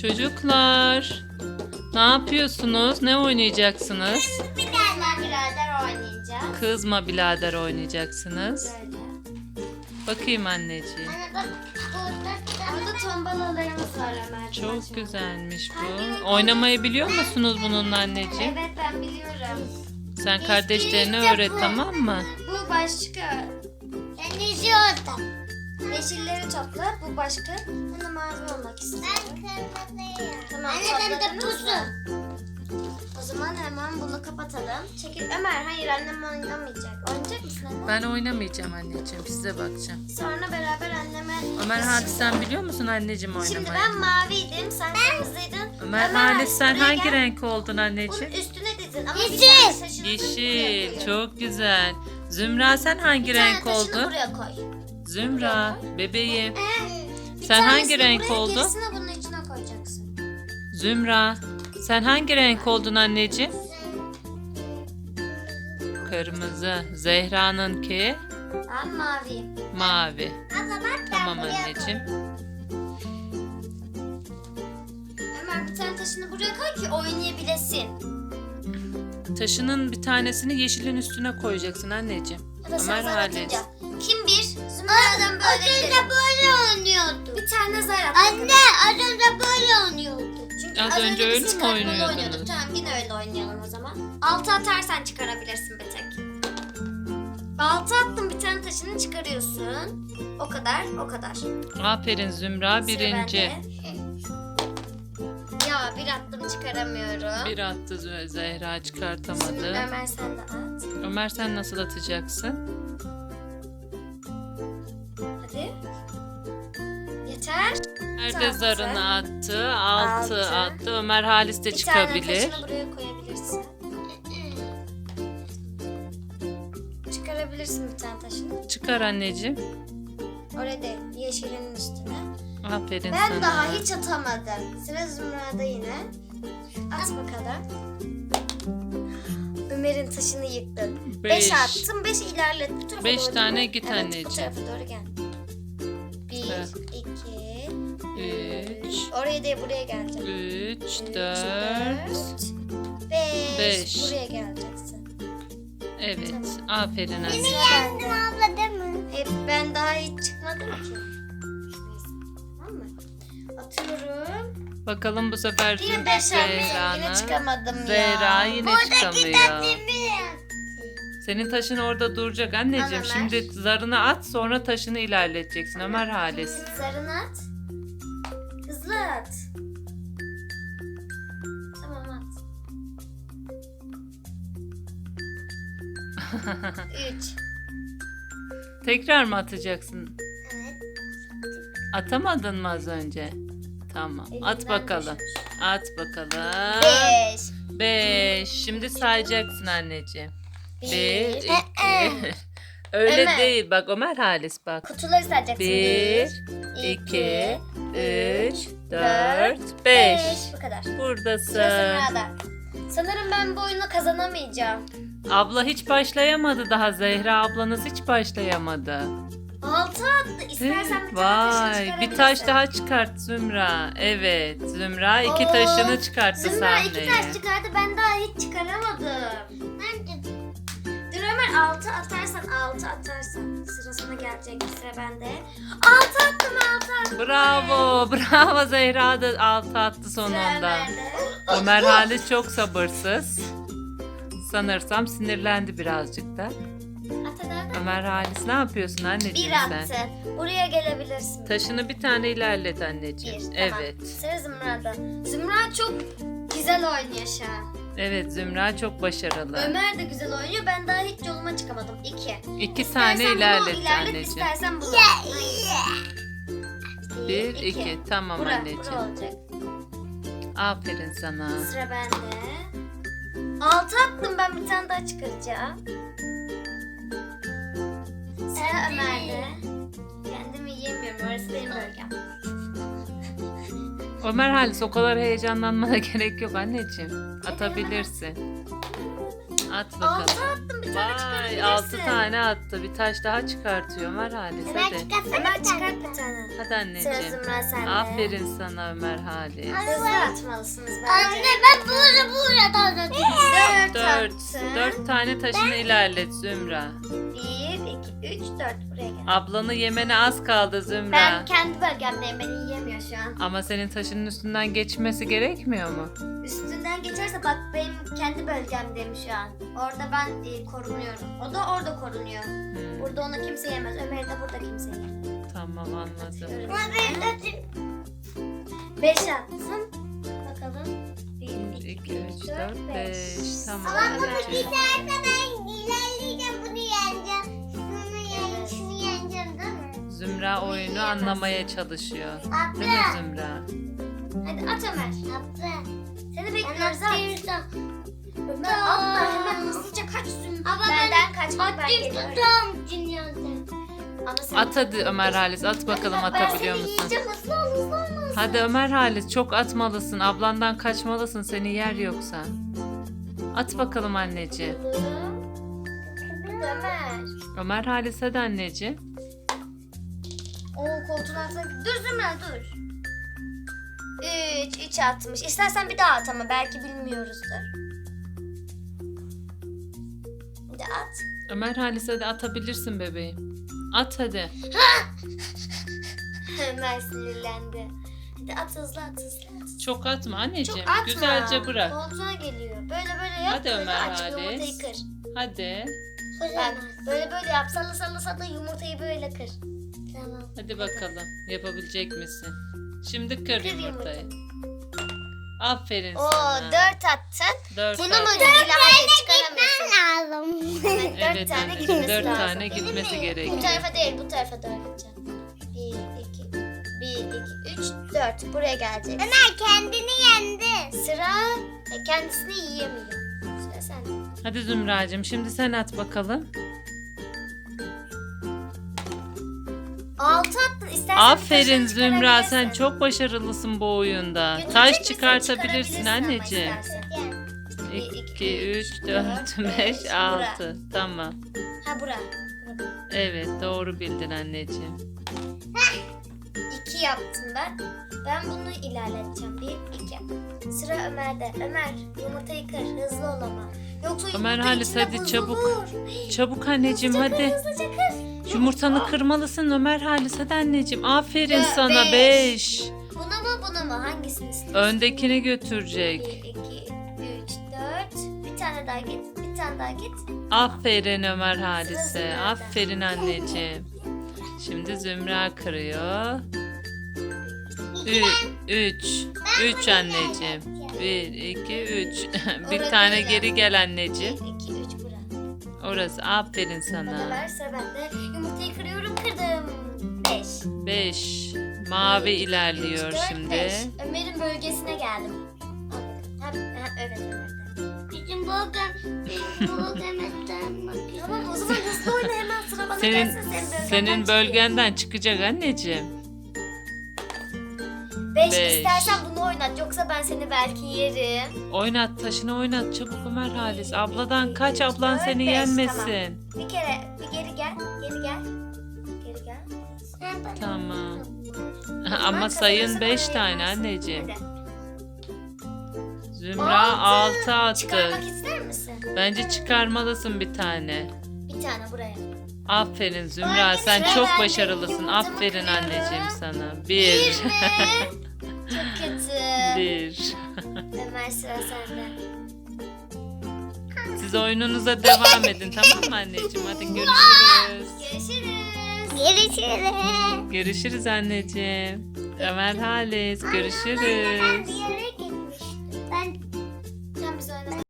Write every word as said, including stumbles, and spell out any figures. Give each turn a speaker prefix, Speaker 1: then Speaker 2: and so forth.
Speaker 1: Çocuklar, ne yapıyorsunuz? Ne oynayacaksınız?
Speaker 2: Bir tane birader oynayacağız.
Speaker 1: Kızma birader oynayacaksınız.
Speaker 2: Böyle.
Speaker 1: Bakayım anneciğim.
Speaker 2: Anne bak burada, burada tombalalarımız var Ömer.
Speaker 1: Çok güzelmiş bu. Oynamayı biliyor musunuz bununla anneciğim?
Speaker 2: Evet ben biliyorum.
Speaker 1: Sen kardeşlerine öğret, tamam mı?
Speaker 2: Bu başka. Ben izliyordum. Yeşilleri topla. Bu başka. Bana mavi olmak istiyorum. Ben kırmızıyım. Tamam. Anne ben de pusu. O zaman hemen bunu kapatalım. Çekil. Ömer hayır annem oynamayacak. Oynayacak mısın anne?
Speaker 1: Ben oynamayacağım anneciğim, size bakacağım.
Speaker 2: Sonra beraber anneme...
Speaker 1: Ömer Halis, sen biliyor musun anneciğim oynamayı?
Speaker 2: Şimdi ben maviydim, sen kırmızıydın.
Speaker 1: Ömer Halis, sen
Speaker 2: buraya
Speaker 1: hangi
Speaker 2: gel.
Speaker 1: renk oldun
Speaker 2: Bunun
Speaker 1: anneciğim?
Speaker 2: üstüne dizin ama bir tane taşını buraya
Speaker 1: Yeşil,
Speaker 2: koyun.
Speaker 1: çok güzel. Zümra, sen hangi
Speaker 2: Bir tane
Speaker 1: renk
Speaker 2: taşını
Speaker 1: oldun?
Speaker 2: buraya koy.
Speaker 1: Zümra, bebeğim.
Speaker 2: Bir
Speaker 1: Sen hangi
Speaker 2: tanesini
Speaker 1: renk
Speaker 2: buraya,
Speaker 1: oldun?
Speaker 2: gerisini bunun içine koyacaksın.
Speaker 1: Zümra, sen hangi renk oldun anneciğim? Kırmızı. Zehra'nınki
Speaker 2: Ben maviyim.
Speaker 1: mavi.
Speaker 2: Tamam,
Speaker 1: Tamam anneciğim.
Speaker 2: Ömer bir tane taşını buraya koy ki oynayabilesin.
Speaker 1: Taşının bir tanesini yeşilin üstüne koyacaksın anneciğim.
Speaker 2: Ya da sen
Speaker 1: Ömer
Speaker 2: zar
Speaker 1: Halis.
Speaker 2: atınca. Kim bir? Zümra'dan böyle gidelim.
Speaker 3: böyle oynuyordu.
Speaker 2: Bir tane zar at.
Speaker 3: Anne az önce böyle oynuyordu.
Speaker 2: Çünkü
Speaker 1: Az önce öyle
Speaker 2: biz
Speaker 1: mi
Speaker 2: kartmalı
Speaker 1: oynuyordunuz?
Speaker 2: oynuyorduk. Tamam yine öyle oynayalım o zaman. Altı atarsan çıkarabilirsin bir tek. Altı attın bir tane taşını çıkarıyorsun. O kadar o kadar.
Speaker 1: Aferin Zümra,
Speaker 2: Sıra
Speaker 1: birinci.
Speaker 2: bende. Ya bir attım çıkaramıyorum.
Speaker 1: Bir attı Zü- Zehra,
Speaker 2: Şimdi
Speaker 1: çıkartamadı.
Speaker 2: Ömer sen de at.
Speaker 1: Ömer, sen nasıl atacaksın?
Speaker 2: Hadi. Yeter.
Speaker 1: Ömer de zarını attı. Altı
Speaker 2: Altı.
Speaker 1: attı. Ömer Halis de
Speaker 2: Bir tane
Speaker 1: çıkabilir.
Speaker 2: taşını buraya koyabilirsin. Çıkarabilirsin bir tane taşını.
Speaker 1: Çıkar anneciğim.
Speaker 2: Oraya değil, yeşilin üstüne.
Speaker 1: Aferin
Speaker 2: Ben
Speaker 1: sana.
Speaker 2: daha hiç atamadım. Sıra Zümra'da yine. At bakalım. Ömer'in taşını yıktın.
Speaker 1: Beş.
Speaker 2: Beş attım, beş ilerlet. Bu tarafa
Speaker 1: Beş
Speaker 2: doğru
Speaker 1: tane
Speaker 2: gel.
Speaker 1: git
Speaker 2: evet,
Speaker 1: anneciğim.
Speaker 2: bu tarafa doğru gel. Bir,
Speaker 1: Evet.
Speaker 2: iki,
Speaker 1: Üç.
Speaker 2: üç. Oraya değil, buraya geleceksin.
Speaker 1: Üç,
Speaker 2: Üç,
Speaker 1: dört.
Speaker 2: beş.
Speaker 1: Beş.
Speaker 2: Buraya geleceksin.
Speaker 1: Evet. Aferin anne.
Speaker 2: Sıra bende.
Speaker 3: Abla değil mi?
Speaker 2: Hep ben daha hiç çıkmadım ki. Neyse, tamam mı? Atıyorum.
Speaker 1: Bakalım bu sefer
Speaker 2: Yine beş attım. Yine
Speaker 1: Zehra'nın.
Speaker 2: çıkamadım ya.
Speaker 1: Zehra yine çıkamıyor.
Speaker 3: Biraz.
Speaker 1: Senin taşın orada duracak anneciğim.
Speaker 2: Al Ömer.
Speaker 1: Şimdi zarını at, sonra taşını ilerleteceksin Ömer Halis.
Speaker 2: Zarını at. Hızlı at. Tamam at. Üç.
Speaker 1: Tekrar mı atacaksın?
Speaker 2: Evet.
Speaker 1: Atamadın mı az önce? Tamam. At
Speaker 2: Elimden
Speaker 1: bakalım.
Speaker 2: düşmüş.
Speaker 1: At bakalım.
Speaker 2: Beş.
Speaker 1: Beş. Şimdi sayacaksın anneciğim. Bir,
Speaker 2: Bir.
Speaker 1: iki. Öyle
Speaker 2: Ömer.
Speaker 1: değil. Bak Ömer Halis bak.
Speaker 2: Kutuları sayacaksın.
Speaker 1: Bir, iki, üç, dört, beş.
Speaker 2: Bu kadar. Sıra
Speaker 1: Buradasın.
Speaker 2: Zümra'da. Sanırım ben bu oyunu kazanamayacağım.
Speaker 1: Abla hiç başlayamadı daha. Zehra ablanız hiç başlayamadı.
Speaker 2: Altı attı. İstersen bir tane taşını
Speaker 1: Vay, bir taş
Speaker 2: çıkarabilirsin.
Speaker 1: daha çıkart Zümra. Evet, Zümra iki
Speaker 2: Oo,
Speaker 1: taşını çıkarttı
Speaker 2: Zümra iki
Speaker 1: sahneye.
Speaker 2: taş çıkardı. Ben daha hiç çıkaramadım.
Speaker 3: Nerede?
Speaker 2: Dur Ömer altı atarsan altı atarsan. Sırasına gelecek sıra bende. Altı attım altı attım.
Speaker 1: Bravo, bravo Zehra da altı attı
Speaker 2: Sıra
Speaker 1: sonunda.
Speaker 2: Ömer'de.
Speaker 1: Ömer Halis çok sabırsız. Sanırsam sinirlendi birazcık da.
Speaker 2: At hadi hadi.
Speaker 1: Ömer Halis, ne yapıyorsun
Speaker 2: Bir
Speaker 1: anneciğim sen?
Speaker 2: attı. Buraya gelebilirsin.
Speaker 1: Taşını bir tane ilerlet anneciğim.
Speaker 2: Bir, tamam.
Speaker 1: Evet.
Speaker 2: Sıra Zümra'da. Zümra çok güzel oynuyor şu an.
Speaker 1: Evet, Zümra çok başarılı.
Speaker 2: Ömer de güzel oynuyor. Ben daha hiç yoluma çıkamadım. İki.
Speaker 1: İki tane
Speaker 2: İstersen bunu
Speaker 1: ilerlet
Speaker 2: ilerlet,
Speaker 1: anneciğim.
Speaker 2: istersen bunu.
Speaker 1: Bir, iki. Tamam
Speaker 2: Bura,
Speaker 1: anneciğim.
Speaker 2: bura olacak.
Speaker 1: Aferin sana.
Speaker 2: Sıra bende. Altı attım, ben bir tane daha çıkaracağım. Sıra Ömer'de. Kendimi yiyemiyorum, orası benim bölgem.
Speaker 1: Ömer Halis, o kadar heyecanlanmana gerek yok anneciğim. Atabilirsin. At bakalım.
Speaker 2: Altı attım, bir tane
Speaker 1: Vay
Speaker 2: çıkarabilirsin.
Speaker 1: altı tane attı. Bir taş daha çıkartıyor Ömer Halis.
Speaker 3: Ömer
Speaker 1: Hadi.
Speaker 3: çıkarsana
Speaker 2: Ömer
Speaker 3: bir
Speaker 2: çıkart
Speaker 3: tane.
Speaker 2: bir tane.
Speaker 1: Hadi
Speaker 2: Sıra
Speaker 1: anneciğim.
Speaker 2: Zümra sende.
Speaker 1: Aferin sana Ömer Halis.
Speaker 2: Hızlı atmalısınız bence.
Speaker 3: Anne ben burada burada da
Speaker 2: Dört,
Speaker 1: Dört.
Speaker 2: attın.
Speaker 1: Dört tane taşını ilerlet Zümra.
Speaker 2: Bir, iki, üç, dört. Buraya gel.
Speaker 1: Ablanı yemene az kaldı Zümra.
Speaker 2: Ben kendi bölgemdeyim. Beni yiyemiyor şu an.
Speaker 1: Ama senin taşının üstünden geçmesi gerekmiyor mu?
Speaker 2: Üstünden geçerse bak benim kendi bölgemdeyim şu an. Orada ben e, korunuyorum. O da orada korunuyor.
Speaker 1: Hmm,
Speaker 2: Burada onu kimse yemez. Ömer'i de burada kimse yemez.
Speaker 1: tamam anladım.
Speaker 3: Ama ben de
Speaker 2: Beş attım. Bakalım. Bir,
Speaker 1: Bir,
Speaker 2: iki,
Speaker 1: iki, üç, dört, beş. Tamam.
Speaker 3: Ama bunu
Speaker 1: anneciğim.
Speaker 3: biterse ben ilerleyeceğim bunu yeneceğim. Şunu yeneceğim, şunu yeneceğim değil mi?
Speaker 1: Zümra oyunu anlamaya çalışıyor.
Speaker 3: Abla.
Speaker 1: Değil mi Zümra?
Speaker 2: Hadi at Ömer.
Speaker 3: Abla.
Speaker 2: Seni
Speaker 3: Ben
Speaker 2: bekliyoruz at.
Speaker 3: atayım.
Speaker 2: Ömer atma hemen hızlıca kaç Zümra.
Speaker 3: Ama
Speaker 2: Benden kaç bak ben
Speaker 3: Atayım
Speaker 2: geliyorum.
Speaker 3: tutam dünyada.
Speaker 2: Ama sen...
Speaker 1: At hadi Ömer Halis. At bakalım
Speaker 2: Ben
Speaker 1: atabiliyor
Speaker 2: seni
Speaker 1: musun?
Speaker 2: yiyeceğim hızlı ol hızlı ol.
Speaker 1: Hadi Ömer Halis çok atmalısın. Ablandan kaçmalısın. Seni yer yoksa. At bakalım anneciğim.
Speaker 2: Ömer.
Speaker 1: Ömer Halis hadi anneciğim.
Speaker 2: Oo koltuğun altına... Dur Zümra dur. Üç, üç atmış. İstersen bir daha at ama belki bilmiyoruzdur. Bir de at.
Speaker 1: Ömer Halis hadi atabilirsin bebeğim. At hadi.
Speaker 2: Ömer sinirlendi. Hadi at hızlı at hızlı at.
Speaker 1: Çok atma anneciğim.
Speaker 2: Çok atma.
Speaker 1: Güzelce bırak.
Speaker 2: Koltuğuna geliyor. Böyle böyle yap.
Speaker 1: Hadi
Speaker 2: böyle
Speaker 1: Ömer
Speaker 2: aç,
Speaker 1: Halis.
Speaker 2: yumurtayı kır.
Speaker 1: Hadi.
Speaker 2: Bak böyle böyle yap. Salla salla salla yumurtayı böyle kır.
Speaker 3: Tamam.
Speaker 1: Hadi bakalım. Yapabilecek misin? Şimdi kır
Speaker 2: Kır
Speaker 1: yumurtayı. Aferin
Speaker 2: Oo
Speaker 1: sana.
Speaker 2: dört attın.
Speaker 1: Dört
Speaker 2: Bunu mu
Speaker 1: attın.
Speaker 2: ilahaya çıkaramıyorsun?
Speaker 3: Lazım.
Speaker 2: Evet, dört
Speaker 1: Evet
Speaker 2: tane
Speaker 1: anneciğim.
Speaker 2: gitmesi
Speaker 1: Dört
Speaker 2: lazım.
Speaker 1: tane gitmesi
Speaker 2: Bu
Speaker 1: gerekiyor.
Speaker 2: tarafa değil bu tarafa doğru gideceğim. Bir, iki, bir, iki, üç, dört. Buraya gelecek.
Speaker 3: Ömer kendini yendi.
Speaker 2: Sıra e, kendisini yiyemiyor. Sıra sende.
Speaker 1: Hadi Zümracığım şimdi sen at bakalım.
Speaker 2: Altı attın. İstersen
Speaker 1: Aferin
Speaker 2: taşını
Speaker 1: Zümra sen
Speaker 2: çıkarabilirsin.
Speaker 1: çok başarılısın bu oyunda.
Speaker 2: Götürecek
Speaker 1: Taş
Speaker 2: misin?
Speaker 1: çıkartabilirsin
Speaker 2: Çıkarabilirsin ama
Speaker 1: anneciğim.
Speaker 2: istersen.
Speaker 1: iki,
Speaker 2: iki,
Speaker 1: üç, dört, beş,
Speaker 2: beş,
Speaker 1: altı. Tamam.
Speaker 2: Ha bura. Bura.
Speaker 1: Evet doğru bildin anneciğim.
Speaker 2: İki yaptım ben. Ben bunu ilerleteceğim. Bir, iki. Sıra Ömer'de. Ömer yumurtayı kır. Hızlı ol ama. Yoksa
Speaker 1: Ömer
Speaker 2: yumurta
Speaker 1: Halis,
Speaker 2: içinde
Speaker 1: hadi
Speaker 2: bozulur.
Speaker 1: çabuk. Çabuk anneciğim
Speaker 2: Hızlıca
Speaker 1: hadi.
Speaker 2: Kır, hızlıca kır.
Speaker 1: Yumurtanı kırmalısın Ömer Halis hadi anneciğim. Aferin
Speaker 2: Dö-
Speaker 1: sana
Speaker 2: beş.
Speaker 1: beş.
Speaker 2: Bunu mu bunu mu? Hangisini istiyorsun?
Speaker 1: Öndekini
Speaker 2: Bir,
Speaker 1: götürecek.
Speaker 2: iki, üç, dört. Bir tane daha git. Bir tane daha git.
Speaker 1: Aferin Ömer Halis'e.
Speaker 2: Zümra'da.
Speaker 1: Aferin anneciğim. Şimdi Zümra kırıyor. Ü- Üç. Üç anneciğim. Bir, iki, üç. Bir
Speaker 2: Orada
Speaker 1: tane
Speaker 2: değil
Speaker 1: geri
Speaker 2: yani.
Speaker 1: gel
Speaker 2: Bir,
Speaker 1: anneciğim.
Speaker 2: iki, üç bura.
Speaker 1: Orası. Aferin
Speaker 2: Hadi
Speaker 1: sana.
Speaker 2: ver sıra bende. Yumurtayı kırıyorum kırdım. Beş.
Speaker 1: Beş. Mavi
Speaker 2: Bir, iki,
Speaker 1: ilerliyor
Speaker 2: üç, dört,
Speaker 1: şimdi.
Speaker 2: beş. Ömer'in bölgesine geldim. Al bakalım. Ha, ha, evet Ömer'de.
Speaker 3: Bizim bölgem, bizim bölgemizden bakıyorum.
Speaker 2: Tamam o zaman hızlı oyna hemen sıra bana
Speaker 1: Senin
Speaker 2: gelsin. Senin bölgenden
Speaker 1: senin
Speaker 2: çıkıyor.
Speaker 1: bölgenden çıkacak anneciğim.
Speaker 2: Beş.
Speaker 1: Beş.
Speaker 2: İstersen bunu oynat yoksa ben seni belki yerim.
Speaker 1: Oynat taşını oynat çabuk Ömer Halis. Abladan
Speaker 2: İki,
Speaker 1: kaç
Speaker 2: üç,
Speaker 1: ablan
Speaker 2: dört,
Speaker 1: seni
Speaker 2: beş.
Speaker 1: yenmesin.
Speaker 2: Bir kere bir geri gel. Geri gel. Geri gel.
Speaker 1: Tamam.
Speaker 2: Ama
Speaker 1: Ama sayın
Speaker 2: kazanırsan
Speaker 1: beş
Speaker 2: oraya
Speaker 1: tane
Speaker 2: yaparsın.
Speaker 1: anneciğim.
Speaker 2: Hadi.
Speaker 1: Zümra altı attı.
Speaker 2: Çıkarmak ister misin?
Speaker 1: Bence çıkarmalısın bir tane.
Speaker 2: Bir tane buraya.
Speaker 1: Aferin Zümra sen
Speaker 2: sıra
Speaker 1: çok
Speaker 2: bende.
Speaker 1: başarılısın.
Speaker 2: Yumurtamı
Speaker 1: Aferin
Speaker 2: kırıyorum.
Speaker 1: anneciğim sana.
Speaker 2: Bir
Speaker 1: Bir.
Speaker 2: mi? Çok kötü.
Speaker 1: Bir.
Speaker 2: Ömer sıra sende.
Speaker 1: Siz oyununuza devam edin tamam mı anneciğim? Hadi görüşürüz.
Speaker 2: Görüşürüz.
Speaker 3: Görüşürüz.
Speaker 1: Görüşürüz anneciğim. Ömer Halis
Speaker 3: Ben
Speaker 1: görüşürüz.
Speaker 3: bir yere gitmiştim. Ben